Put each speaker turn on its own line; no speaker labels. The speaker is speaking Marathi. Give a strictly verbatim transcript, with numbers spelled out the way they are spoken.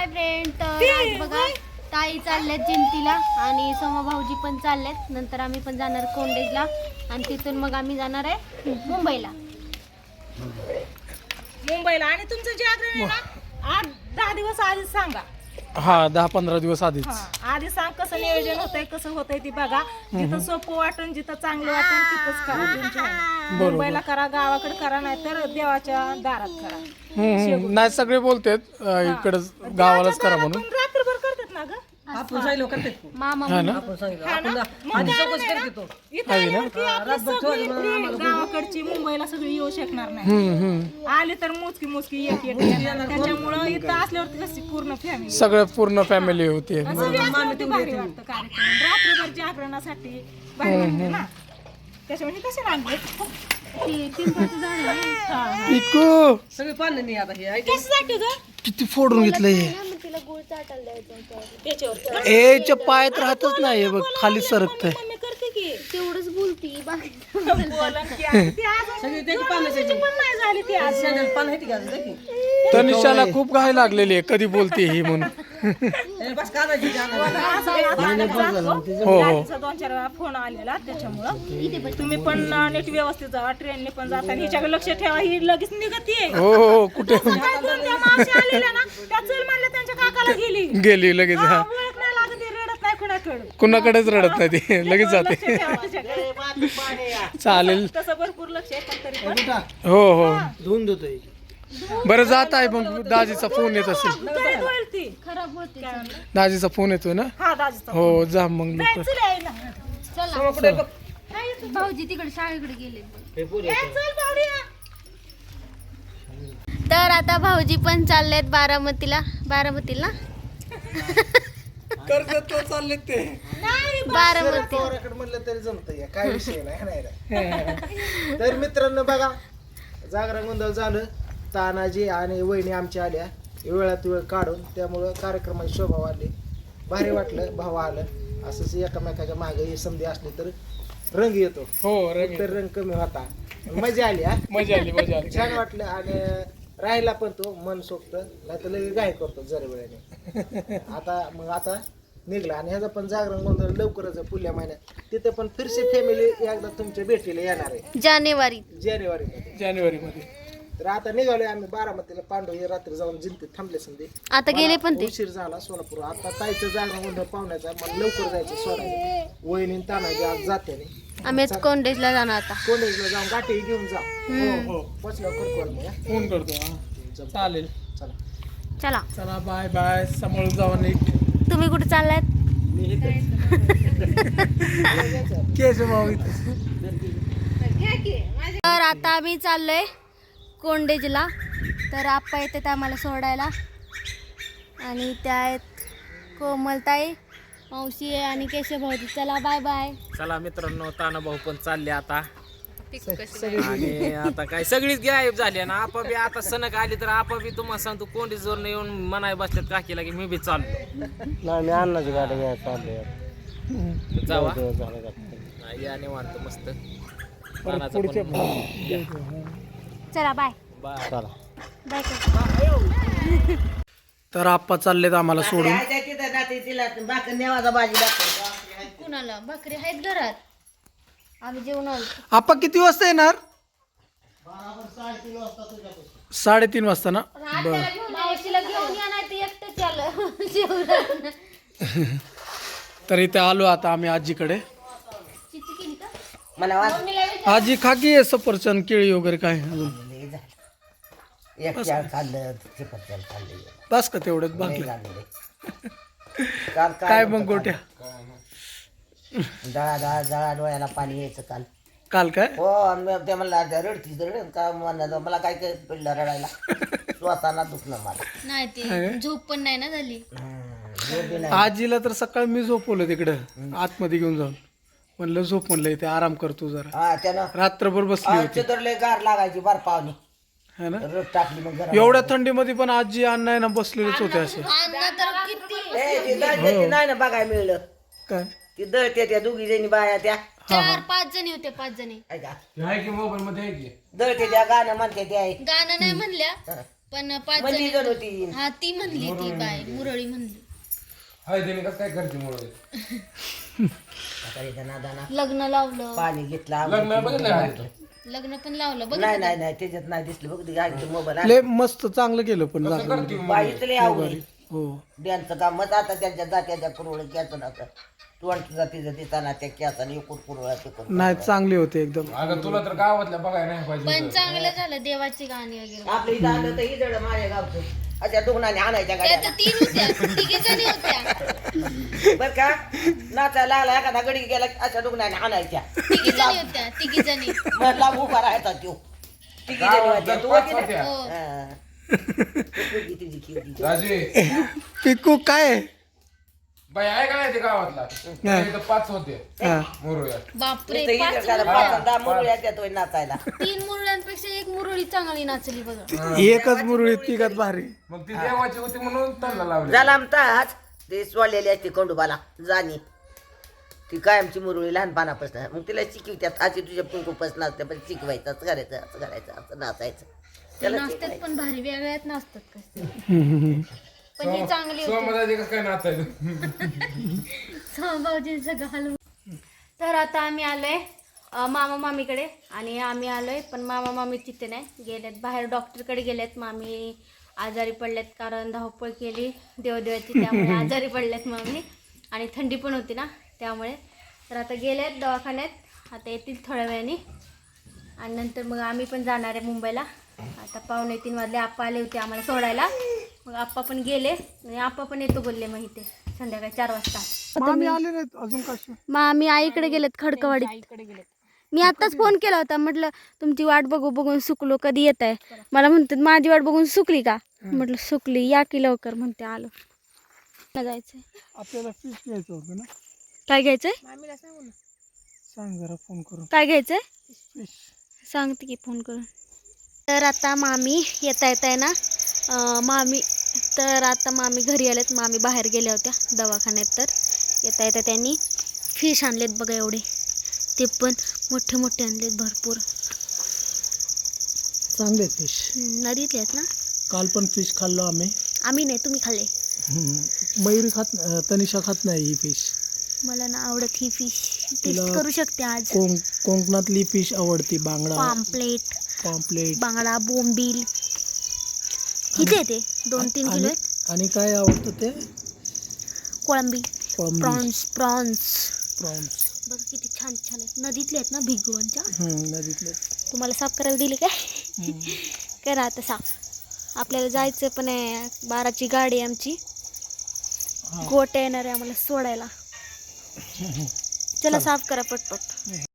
हाय फ्रेंड, तर आज बघा ताई चालल्यात जिंतीला आणि सोमा भाऊजी पण चाललेत. नंतर आम्ही पण जाणार कोंडेजला आणि तिथून मग आम्ही जाणार आहे मुंबईला.
मुंबईला आणि तुमचं जागरण आहे ना आठ दहा दिवस आधीच सांगा.
हा दहा पंधरा दिवस आधीच.
हा आधी सांग कसं नियोजन होतंय कसं होतंय ती बघा. जिथं सोपं वाटण जिथं चांगलं वाटण तिथंच करा. तुमच्या ह्याने. मुंबईला करा गावाकडे करा नाही तर देवाच्या दारात करा.
हम्म, नाही सगळे बोलतात इकडच गावालाच करा म्हणून.
पण रात्रभर करतात ना ग.
आपण सांगितलं करते
मामा
हा ना
आपण सांगितलं आपण आधी चौकशी करते तो
इथं आल्यावरती आपली सगळी फ्री गावाकडची मुंबईला सगळी येऊ शकणार नाही.
हम्म हम्म
आले तर मोजकी मोजकी एक एक येणार. त्याच्यामुळं इथं असल्यावरती कशी पूर्ण फॅमिली
सगळं पूर्ण फॅमिली होती.
भारी वाटतं कार्यक्रम. रात्रभर जागरणासाठी भारी वाटतं ना. त्याच्यामुळे कसे लागले
इको
सगळे पाणी नाही आता हे ऐक
कशासाठी ग
किती फोडून घेतलंय हे.
तिला गुळ चाटायला द्यायचं.
त्याच्यावर
एच्या पायात राहतच नाही हे बघ खाली सरकतंय.
मम्मी करते की
तेवढंच बोलती बाकी
बोला की आज ती आज
सगळे ते पाणी
वर्षाची पण नाही झाली ती आज.
सॅंडल पाणी आहे का देखी
तनिषाला खूप घाई लागलेली आहे कधी बोलते ही म्हणून.
ए बस काढायची जागा
असं आहे, आता जातो.
हो हो
गाडीचा दोन चार वेळा फोन आलेला त्याच्यामुळं तुम्ही पण नीट व्यवस्थित जावा. ट्रेनने पण जाता आणि हिच्याकडे लक्ष ठेवा. ही लगेच निघतीये.
हो हो कुठे
काय दोन त्या मावशी आलेल्या ना त्या चल म्हणलं त्यांच्या काकाला गेली.
गेली लगेच.
हा,
हा
ओळख नाही लागत ती रडत नाही कुणाकडे.
कुणाकडेच रडत नाही ती लगेच
लक्ष
जाते.
ठेवा तिच्याकडे.
चालेल.
तसं भरपूर लक्ष आहे पण तरी पण
हो हो
धुवून देतोय
बरं जात आहे मग दाजीचा फोन येत असेल.
काय होईल ती
खराब होते.
काय म्हणलं?
दाजीचा फोन येतोय ना.
हा दाजीचा
हो जा मग लवकर.
चल यायला.
चला भाऊजी तिकडे शाळेकडे गेले.
ए, चल भावड्या.
तर आता भाऊजी पण चाललेत बारामतीला. बारामतीला
कर्जत चालले ते
बारामती.
म्हणलं तरी जमतंय काय विषय नाही नाही रे. तर मित्रांनो बघा जागरण गोंधळ झालं. तानाजी आणि वहिनी आमच्या आल्या वेळात वेळ काढून त्यामुळं कार्यक्रमाची शोभा वाढली. भारी वाटलं. भाऊ आलं असंच एकामेकाच्या मागे ही संधी असली तर रंग येतो.
हो रंग
तर रंग कमी होता. मजा आली हा.
मजा आली मजा आली.
छान वाटलं आणि राहिला पण तो मन सोबत नाही तर लगेच गाय करतो जरा वेळेने. आता मग आता निघला आणि ह्याचा पण जागरण गोंधळ लवकरच आहे पुढल्या महिन्यात. तिथे पण फिरसे फॅमिली एकदा तुमच्या भेटीला येणार आहे
जानेवारी
जानेवारी मध्ये.
जानेवारी मध्ये.
तर आता निघालोय आम्ही बारामतीला. पांडव हे रात्री जाऊन जिंतीत थांबले संधी.
आता गेले पण ते.
उशीर झाला सोलापूर. आता ताईचं जागरण गोंधळ पाहुण्याचा मला लवकर जायचं सोडायचं. वहिनी तानाजी आज जाते नाही.
आम्ही आज कोंडेजला जाणार आता.
कॉलेजला जाऊन गाठी घेऊन जा.
हो हो
पोचल्यावर करतो मग हा.
फोन करतो. हा चालेल.
चला.
चला
चला बाय बाय. सांभाळून जावा नीट.
तुम्ही कुठे चाललात?
केश भाऊ इथे.
तर आता आम्ही चाललोय कोंडेजला. तर आप्पा येतात आम्हाला सोडायला आणि त्या आहेत कोमलताई, मावशी आहे आणि केशव भाऊजी. चला बाय बाय.
चला मित्रांनो ताना भाऊ पण चालले आता. आणि आता काय सगळीच गायब झाली ना. आपा बी आता सणक आली तर आपा बी तुम्हाला सांगतो कोंडी जोर येऊन म्हणाय बसल्यात काकीला की मी बी चाललो.
नाही मी अन्नाची गाडी घ्यायला चाललोय
जावा हा, या निवांत मस्त. तानाचं
पुढच्या
पण
चला बाय
बाय.
चला
बाय कर.
तर आप्पा चाललेत आम्हाला सोडून.
भाकर नेवाचा भाजी दाखव.
कुणाला भाकरी आहेत घरात? आम्ही जेवण आलो.
आप्पा किती वाजता येणार? साडेतीन वाजता ना. बर
मावशीला घेऊन या नाही तर एकटं चाल जेवण.
तर इथे आलो आता आम्ही आजीकडे.
चिची केली का?
मला वाज
आजी खाकी सफरचंद केळी वगैरे काय अजून
एक चार खाल्लं चिपटचल खाल्लं
बस का तेवढ्यात बाकी
काल
काय मग गोट्या
जळा जळा जळा डोळ्याला पाणी यायचं काल.
काल काय
हो मी ते म्हणला रडतीच रड का म्हणलं मला काय काय पडलं रडायला. स्वतःला दुखणं मला.
नाही ते झोप पण नाही ना झाली.
झोप बी नाही.
आजीला तर सकाळी मी झोपवलं तिकडं आतमध्ये घेऊन जाऊन. म्हणलं झोप म्हणलं इथे आराम करतो जरा.
हा त्यानं
रात्रभर बसली होती
चितरले गार लागायची बार पावनी
है ना.
रड टाकली मग जरा.
एवढ्या थंडीमध्ये पण आजी अण्णा ना बसलेलेच होते असे.
अण्णा तर किती
ए, ती दळते ती नाही ना बघायला मिळलं.
काय
ती दळते त्या दोघी जणी बाया त्या
चार पाच जणी होते. पाच जणी
ऐका
मोबाईल मध्ये
दळते त्या गाणं म्हणते ते आहे.
गाणं नाही म्हणल्या पण पाच
म्हणजे
जण
जण होती
हा ती म्हणली ती बाय मुरळी म्हणली
काय करते मुळे
आता इथं नादाना
लग्न लावलं
पाणी घेतला
लग्न पण लावलं बघ
नाही नाही नाही त्याच्यात नाही दिसलं बघ गाडीचं मोबाईल
लय मस्त चांगलं केलं पण जागरण.
बाईच लय आवडली
हो
त्यांचं काम मग आता त्यांच्या जात्याच्या कुरवळ कॅचं नव्हतं तोंडचं जातीचं दिसताना त्या कॅचाने एकूण कुरवळा तिकून
नाही चांगले होते एकदम.
अगं तुला तर गावातल्या बघायला नाही पाहिजे
पण चांगलं झालं देवाची गाणी वगैरे
आपल्या इथं आलं तर इथं माझ्या गावचं अशा दुग्नाने आणायच्या
त्या
गाड्या
तर तीन होत्या तिघी जणी होत्या
बर का नाचायला आला एखादा गडी गेला की अशा दुग्नाने आणायच्या
तिघी जणी होत्या तिघी जणी
मला उभा राहायचा तो तिघी जणी होत्या. तू होती ना?
हो
हा. तुझी तुझी की होती.
राजे
पिकू काय
बाई आहे का नाही ते गावातला इथं पाच होते
हा.
मोरूया
बापरे
इथं
पाच
इथं त्याला
मुरळ्या.
पाच दहा मुरळ्या देतोय नाचायला
तीन मुरळ्यांपेक्षा एक मुरळी चांगली नाचली बघा
एकच मुरळी तिघात भारी.
मग ती देवाची होती म्हणून त्यांना लावली
झाला आमचाच ते सोडलेली असते खंडोबाला जाणी ती कायमची मुरळी लहानपणापासून मग तिला शिकवत्यात अशी तुझ्या कुंकुपासून नाचते पण शिकवायचं असं करायचं असं करायचं असं नाचायचं
ते
त्याला
नाचतात
शिकवायचं.
पण भारी वेगळ्यात नाचतात कसं
हम्म.
पण ही चांगली होती
सोमदाचे कसं काय नाचायचं
भाऊजींचं घालून तर आता आम्ही आलोय अं, मामा मामीकडे आणि आम्ही आलोय पण मामा मामी तिथे नाही गेलेत बाहेर डॉक्टरकडे गेलेत मामी आजारी पडलेत कारण धावपळ केली देवदेवाची त्यामुळे आजारी पडलेत मामी आणि थंडी पण होती ना त्यामुळे तर आता गेलेत दवाखान्यात आता येतील थोड्या वेळाने आणि नंतर मग आम्ही पण जाणार आहे मुंबईला आता पावणे तीन वाजले आप्पा आले होते आम्हाला सोडायला मग आप्पा पण गेले आणि आप्पा पण येतो बोलले मग इथे संध्याकाळी चार वाजता
मामी आले नाहीत अजून कशी.
मग आम्ही आईकडे गेलेत खडकवाडीत मी आताच फोन केला होता म्हटलं तुमची वाट बघू बघून सुकलो कधी येत आहे मला म्हणतात माझी वाट बघून सुकली का म्हटलं सुकली या की लवकर म्हणते आलो जायचंय
आपल्याला फिश घ्यायचं होतं ना.
काय घ्यायचंय
सांग जरा फोन करून.
काय घ्यायचंय
फिश
सांगते की फोन करून तर आता मामी येता येत आहे ना अं, मामी तर आता मामी घरी आलेत मामी बाहेर गेल्या होत्या दवाखान्यात तर येता येता त्यांनी फिश आणलेत बघा एवढे ते पण मोठे मोठे आणलेत भरपूर
चांगले फिश.
हम्म, नदीतले आहेत ना
काल पण फिश खाल्लो आम्ही.
आम्ही नाही तुम्ही खाल्ले
हम्म. मयुरी खात अं, तनिषा खात नाही ही फिश.
मला ना आवडत ही फिश टेस्ट
तिला
करू शकते आज
कोंक कोकणातली फिश आवडती. बांगडा
पाम्पलेट
पॉम्पलेट
बांगडा बोंबील किती आहे ते दोन तीन किलो
आणि
आहेत
आणि काय आवडतं ते
कोळंबी
कोळंबी.
Prawns prawns
prawns.
बघ किती छान छान आहेत नदीतले आहेत ना भिगवणच्या
नदीतले.
तुम्हाला साफ करायला दिली काय करा आता साफ आपल्याला जायचं पण आहे बाराची गाडी आहे आमची गोट्या येणार आहे आम्हाला सोडायला चला साफ करा पटपट